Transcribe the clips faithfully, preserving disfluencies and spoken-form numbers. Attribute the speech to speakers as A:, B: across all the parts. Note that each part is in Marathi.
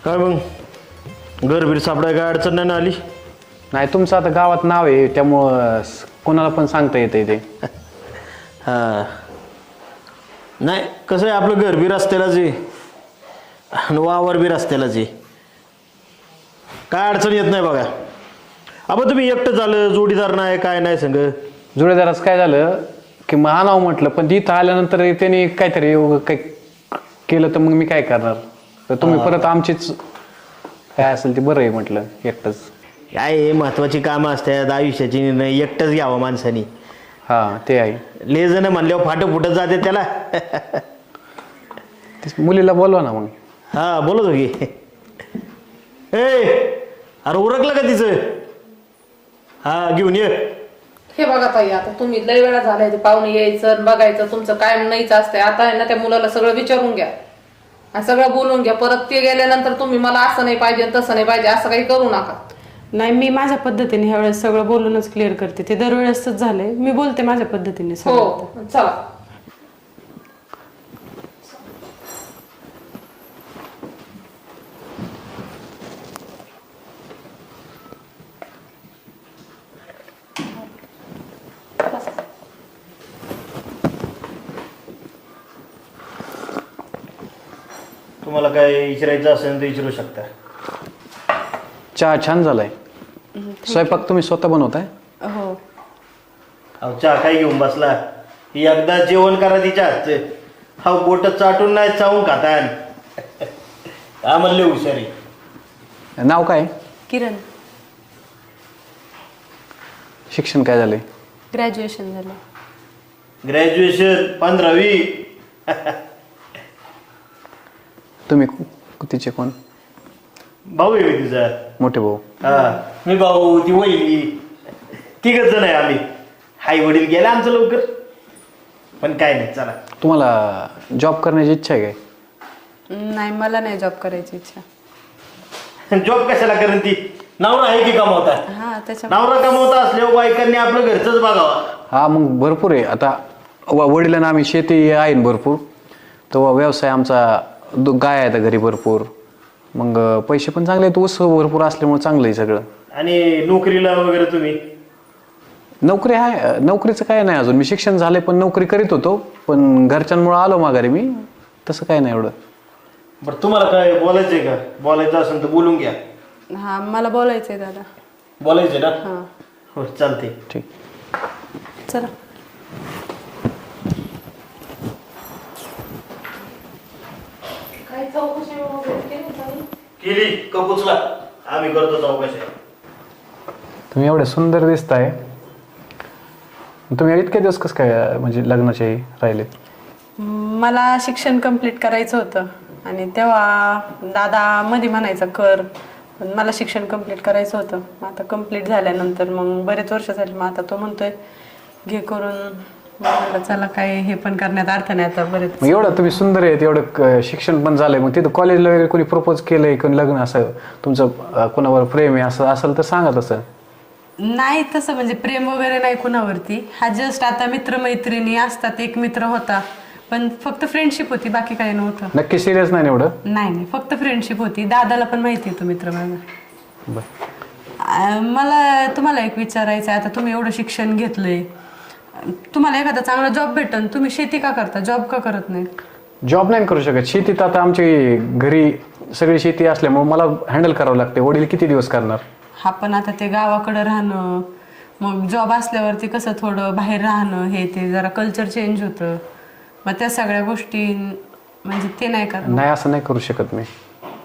A: काय मग घरबीर सापडाय काय अडचण नाही ना आली?
B: नाही तुमचं आता गावात नाव आहे त्यामुळं कोणाला पण सांगता येते ते.
A: हां नाही कसं आहे आपलं घर बी रस्त्यालाच आहे आणि वावर बी रस्त्यालाच आहे, काय अडचण येत नाही बघा. आपण तुम्ही एकटं झालं, जोडीदार नाही काय नाही संग.
B: जुळेदाराचं काय झालं की मग आणावं म्हटलं, पण इथं आल्यानंतर त्याने काहीतरी काही केलं तर मग मी काय करणार. तर तुम्ही परत आमचीच काय असेल ते बरं आहे म्हटलं एकटंच.
A: काय हे महत्वाची कामं असतात आयुष्याची, निर्णय एकटंच घ्यावं माणसानी.
B: हां ते आहे.
A: ले जण म्हणल्यावर फाटं फुटत जाते त्याला.
B: तेच मुलीला बोलवा ना मग.
A: हा बोलत हो की. ए अरे उरकलं का तिचं? हा घेऊन ये.
C: हे बघा ताई, आता तुम्ही लय वेळा झालाय ते पाहुणे यायचं आणि बघायचं, तुमचं कायम नाहीच असतंय. आता आहे ना त्या मुलाला सगळं विचारून घ्या आणि सगळं बोलून घ्या. परत ते गेल्यानंतर तुम्ही मला असं नाही पाहिजे तसं नाही पाहिजे असं काही करू नका.
D: नाही, मी माझ्या पद्धतीने ह्या वेळेस सगळं बोलूनच क्लिअर करते. ते दरवेळेसच झालंय, मी बोलते माझ्या पद्धतीने सगळं.
C: हो चला.
A: तुम्हाला काय विचारायचं असेल तर विचारू शकता.
B: चहा छान झालाय. स्वयंपाक तुम्ही स्वतः बनवताय?
D: हो.
A: अहो चहा काय घेऊन बसला? ही एकदा जेवण करा तिच्या हातचं. हा बोट चाटून नाही चावून खाता. हा म्हणले हुशारी.
B: नाव काय?
D: किरण.
B: शिक्षण काय झालंय?
D: ग्रॅज्युएशन झालं.
A: ग्रॅज्युएशन पंधरावी.
B: तुम्ही तिचे कोण?
A: भाऊ आहे मी तिचा.
B: मोठे भाऊ.
A: हा मी भाऊ, ती वहिनी, तिघच जण आहे आम्ही. आई वडील गेले आमचं लवकर, पण काय नाही चला.
B: तुम्हाला जॉब करण्याची इच्छा आहे काय?
D: नाही, मला नाही जॉब करायची इच्छा.
A: जॉब कशाला करेन ती? नवरा आहे की कमावता?
D: हा त्याच्या
A: नवरा कमावता असल्यावर बायकांनी आपलं घरचंच बघावं.
B: हा मग भरपूर आहे. आता व- वडिलांना आम्ही शेती आहे ना भरपूर, तो व्यवसाय आमचा दो- गाय आहे घरी भरपूर. मग पैसे पण चांगले आहेत, ऊस भरपूर असल्यामुळे चांगलं आहे सगळं.
A: आणि नोकरीला वगैरे तुम्ही?
B: नोकरी आहे, नोकरीचं काय नाही अजून. मी शिक्षण झाले पण नोकरी करीत होतो, पण घरच्यांमुळे आलो माघारी मी. तसं काय नाही एवढं.
A: बरं तुम्हाला काय बोलायचंय का? बोलायचं असेल तर बोलून घ्या.
D: हा, मला बोलायचंय दादा.
A: बोलायचंय ना?
D: हा
A: हो चालते.
B: ठीक.
D: चला.
C: काही चौकशी वगैरे केली ताई?
A: केली कपूचला. आम्ही करतो चौकशी.
B: तुम्ही एवढे सुंदर दिसताय. तुम्ही इतके दिवस कसं काय म्हणजे लग्नाचे राहिले?
D: मला शिक्षण कंप्लीट करायचं होतं आणि तेव्हा दादा मध्ये म्हणायचा कर, पण मला शिक्षण कंप्लीट करायचं होतं. मग आता कंप्लीट झाल्यानंतर मग बरेच वर्ष झाले, मग आता तो म्हणतोय घे करून. मग म्हटलं चला, काय हे पण करण्यात अर्थ नाही आता. बरेच
B: मग एवढं तुम्ही सुंदर आहेत, एवढं क- शिक्षण पण झालंय, मग तिथं कॉलेजला वगैरे कोणी प्रपोज केलंय, कोणी लग्न असं तुमचं अं, कोणावर प्रेम आहे असं असेल तर सांगा तसं.
D: नाही तसं म्हणजे प्रेम वगैरे नाही कुणावरती. हा जस्ट आता मित्रमैत्रिणी असतात, एक मित्र होता पण फक्त फ्रेंडशिप होती, बाकी काही नव्हतं.
B: नक्की सिरियस नाही ना एवढं?
D: नाही नाही, फक्त फ्रेंडशिप होती. दादाला पण माहिती आहे तो मित्र माझा.
B: बरं.
D: अं, मला तुम्हाला एक विचारायचं आहे, आता तुम्ही एवढं शिक्षण घेतलंय, तुम्हाला एखादा चांगला जॉब भेटन, तुम्ही शेती का करता, जॉब का करत नाही?
B: जॉब नाही करू शकत. शेतीत आता आमची घरी सगळी शेती असल्यामुळे मला हँडल करावं लागते. वडील किती दिवस करणार?
D: हा पण आता ते गावाकडं राहणं, मग जॉब असल्यावरती कसं थोडं बाहेर राहणं, हे ते जरा कल्चर चेंज होतं. मग त्या सगळ्या गोष्टी म्हणजे ते नाही करणार.
B: नाही असं नाही करू शकत मी.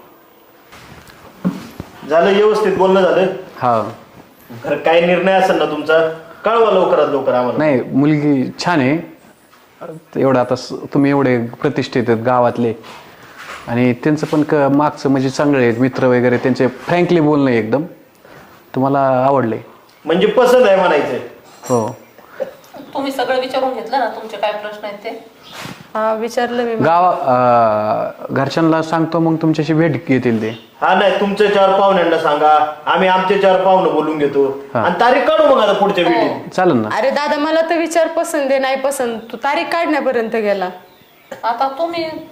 A: झालं व्यवस्थित बोलणं झालं?
B: हा.
A: खरं काय निर्णय असेल ना तुमचा कळवा लवकरात लवकर आम्हाला.
B: नाही मुलगी छान आहे. एवढं आता स- तुम्ही एवढे प्रतिष्ठित आहेत गावातले, आणि त्यांचं पण क मागचं म्हणजे चांगले आहेत मित्र वगैरे, त्यांचे फ्रँकली बोलणं आहे एकदम. तुम्हाला आवडले
A: म्हणजे पसंत आहे म्हणायचं?
B: हो.
C: तुम्ही सगळं विचारून घेतलं ना, तुमचे काय प्रश्न आहेत ते?
D: हा विचारलं मी.
B: गावा अं, घरच्यांना सांगतो, मग तुमच्याशी भेट घेतील ते.
A: हा नाही, तुमचे चार पाहुण्यांना सांगा, आम्ही आमचे चार पाहुणे बोलून घेतो आणि तारीख काढू मग आता पुढच्या वेळी.
B: चालेल ना?
D: अरे दादा, मला तर विचार पसंत आहे नाही पसंत, तू तारीख काढण्यापर्यंत गेला.
C: आता तुम्ही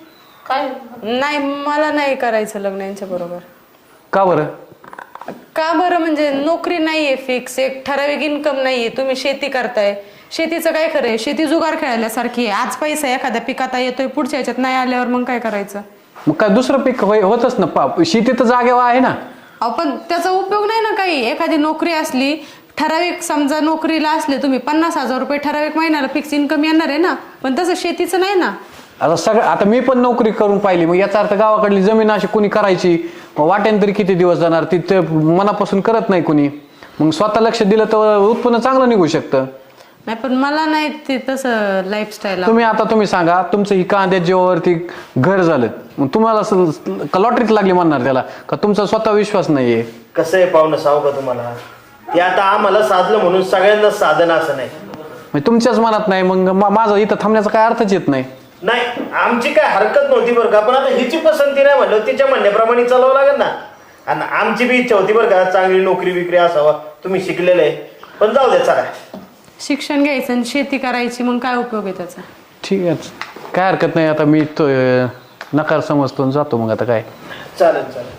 C: काय
D: नाही मला नाही करायचं लग्न यांच्या बरोबर.
B: का बरं?
D: का बरं म्हणजे नोकरी नाहीये फिक्स, एक ठराविक इन्कम नाहीये. तुम्ही शेती करताय, शेतीचं काय खरंय? शेती जुगार खेळायल्यासारखी आहे. आज पैसा एखाद्या पिकात येतोय, पुढच्या ह्याच्यात नाही आल्यावर मग काय करायचं?
B: मग काय दुसरं पीक होय- होतच ना, पा- शेती तर जागेवर आहे ना.
D: अहो पण त्याचा उपयोग नाही ना काही. एखादी नोकरी असली ठराविक, समजा नोकरीला असले तुम्ही पन्नास हजार रुपये ठराविक महिन्याला फिक्स इन्कम येणार आहे ना, पण तसं शेतीचं नाही ना.
B: आता सगळं, आता मी पण नोकरी करून पाहिली, मग याचा अर्थ गावाकडली जमीन अशी कुणी करायची, मग वाटेन तरी किती दिवस जाणार, तिथे मनापासून करत नाही कुणी. मग स्वतः लक्ष दिलं तर उत्पन्न चांगलं निघू शकतं.
D: नाही पण मला नाही ते तसं लाईफस्टाईल.
B: तुम्ही आता तुम्ही सांगा, तुमचं ही कांद्या जेव्हावरती घर झालं, मग तुम्हाला लॉटरीत लागली म्हणणार त्याला का तुमचा स्वतः विश्वास नाहीये?
A: कसं आहे पाहुणं, सांगू का तुम्हाला, ते आता आम्हाला साधलं म्हणून सगळ्यांनाच साधन असं नाही.
B: म्हणजे तुमच्याच मनात नाही, मग मा- माझं इथं थांबण्याचा काय अर्थच येत नाही.
A: नाही आमची काय हरकत नव्हती बरं का, पण आता हिची पसंती नाही म्हणलं तिच्या म्हणण्याप्रमाणे चालावं लागेल ना. आणि आमची बी इच्छा होती बरं का, चांगली नोकरी बिकरी असावा, तुम्ही शिकलेले आहे. पण जाऊ द्या चला.
D: शिक्षण घ्यायचं आणि शेती करायची, मग काय उपयोग आहे त्याचा?
B: ठीक आहे, काय हरकत नाही. आता मी तो अं, नकार समजतो आणि जातो मग. आता काय
A: चालेल चालेल.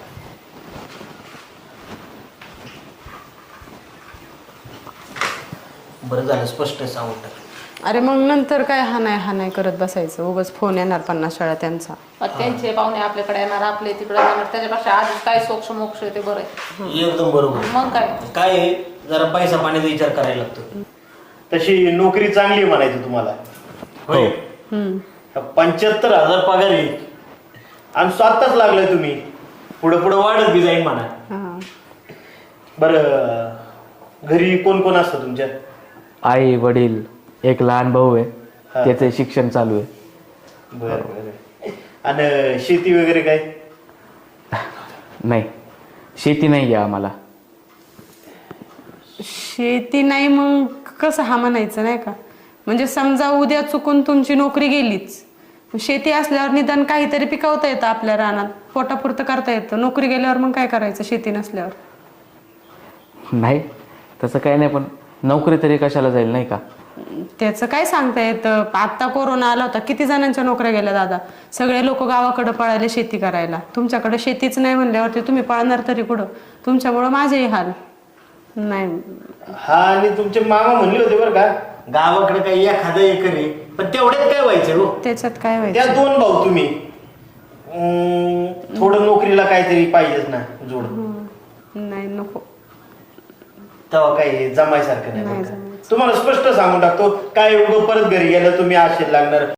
A: बरं झालं स्पष्ट सांगून टाक.
D: अरे मग नंतर काय हा नाही हा नाही करत बसायचं, उगाच फोन येणार पन्नास वेळा त्यांचा.
C: त्यांचे पाहुणे आपल्याकडे येणार, आपले तिकडे येणार, त्याच्यापेक्षा आधीच काय सोक्ष मोक्ष आहे ते बरं आहे.
A: एकदम बरोबर.
C: मग काय
A: काय आहे, जरा पैसा पाण्याचा विचार करायला लागतो. तशी नोकरी चांगली आहे म्हणायचं तुम्हाला. होय. पंच्याहत्तर हजार पगार आहे आणि स्वतःच लागलाय तुम्ही, पुढे पुढे वाढत बी जाईल म्हणा.
D: हा.
A: बरं घरी कोण कोण असतं तुमच्या?
E: आई वडील, एक लहान भाऊ आहे,
A: हा.
E: त्याचं शिक्षण चालू आहे.
A: बरं बरं. आणि शेती वगैरे काय?
E: नाही, शेती नाही आहे आम्हाला.
D: शेती नाही मग कसं हा म्हणायचं नाही का? म्हणजे समजा उद्या चुकून तुमची नोकरी गेलीच, शेती असल्यावर निदान काहीतरी पिकवता येतं आपल्या रानात, पोटापुरतं करता येतं. नोकरी गेल्यावर मग काय करायचं शेती नसल्यावर?
E: नाही तसं काही नाही, पण नोकरी तरी कशाला जाईल नाही का?
D: त्याचं काय सांगता येतं. आता कोरोना आला होता, किती जणांच्या नोकऱ्या गेल्या दादा. सगळे लोक गावाकडे पळाले शेती करायला. तुमच्याकडे शेतीच नाही म्हणल्यावरती तुम्ही पळणार तरी कुठं? तुमच्यामुळं माझेही हाल. नाही
A: हा, आणि तुमचे मामा म्हणले होते बरं का, गावाकडे काही एखादं एकर आहे, पण तेवढ्यात काय व्हायचं हो?
D: त्याच्यात काय
A: त्या
D: व्हायचं?
A: दोन भाऊ तुम्ही, अं, थोडं नोकरीला काहीतरी पाहिजेच ना जोड.
D: नाही नको.
A: तेव्हा काही जमायसारखं नाही
D: नाही
A: बरं का.
D: जमायचं.
A: तुम्हाला स्पष्ट सांगून टाकतो, काय उगं परत घरी गेलं तुम्ही आशेला लागणार.